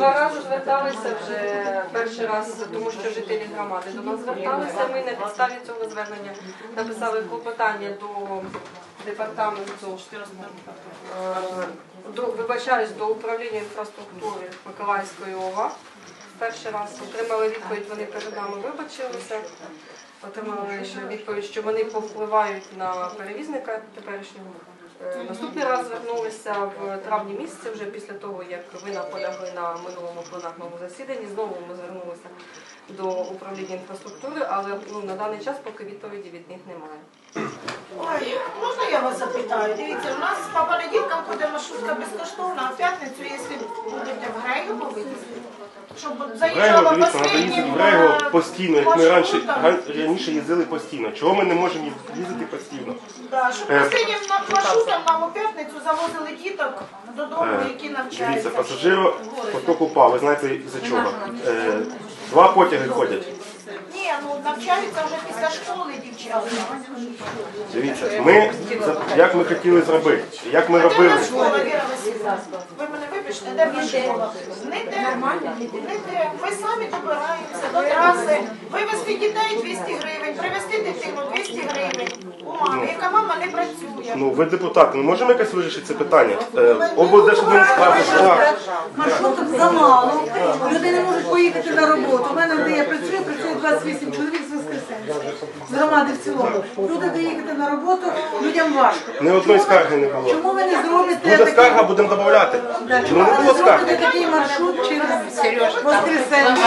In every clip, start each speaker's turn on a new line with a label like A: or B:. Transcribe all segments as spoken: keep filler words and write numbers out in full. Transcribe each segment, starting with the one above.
A: два рази зверталися вже перший раз, тому що жителі громади до нас зверталися. Ми на підставі цього звернення написали клопотання до департаменту, е, до, вибачаюсь, до управління інфраструктури Миколаївської ОВА. Перший раз отримали відповідь, вони перед нами вибачилися. Отримали ще відповідь, що вони повпливають на перевізника теперішнього. Наступний раз звернулися в травні місяці, вже після того, як ви наполягли на минулому пленарному засіданні. Знову ми звернулися до управління інфраструктури, але ну, на даний час поки відповіді від них немає.
B: Ой, можна я вас запитаю? Дивіться, у нас по понеділкам ходить маршрутка безкоштовна, а в п'ятницю, якщо будете в Грейгово вивезти, щоб заїжджала
C: дивіться, треба їздити
B: останнім
C: в Грейгово постійно, як ми раніше,
B: маршрутом.
C: раніше їздили постійно. Чого ми не можемо їздити постійно?
B: Да, щоб
C: Е,
B: останнім маршрутом нам у п'ятницю завозили діток додому, які навчаються.
C: Дивіться, пасажиро поток упав, ви знаєте за чого? Е, Два потяги ходять.
B: Ні, ну навчаються вже після школи дівчата.
C: Дивіться, ми, як ми хотіли зробити, як ми
B: Де в
C: робили.
B: нас школа, Віра Васильівна? Ви мене вибачте, де в нас школа? Не де, не де. Ви самі добираєтеся до траси, вивезти дітей двісті гривень, привезти дитину двісті гривень. У мами, яка мама не працює.
C: Ну, ви депутати, ми можемо якось вирішити це питання? Е, облдержадміністрація.
D: Маршруток замало, люди не можуть поїхати на роботу. У мене, де я працюю, працює двадцять вісім чоловік з Воскресенська, з громади в цілому. Люди доїхати на роботу, людям важко.
C: Ні одної скарги не було.
D: Чому ви не зробите
C: Буде
D: такий,
C: скарга, будемо додавати.
D: да,
C: Ну
D: чому
C: не
D: ви не
C: було
D: зробите
C: скарги.
D: такий маршрут через Воскресенська?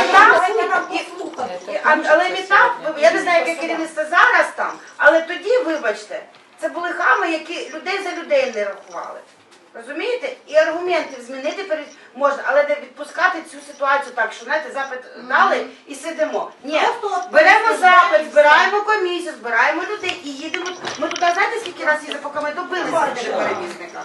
E: Але не так, я не знаю, яке керівництво зараз там, але тоді, вибачте, це були хами, які людей за людей не рахували. Розумієте? І аргументів змінити перед можна, але не відпускати цю ситуацію так, що знаєте, запит дали і сидимо. Ні, беремо запит, збираємо комісію, збираємо людей і їдемо. Ми туди, знаєте, скільки разів їздили, поки ми добилися перевізника?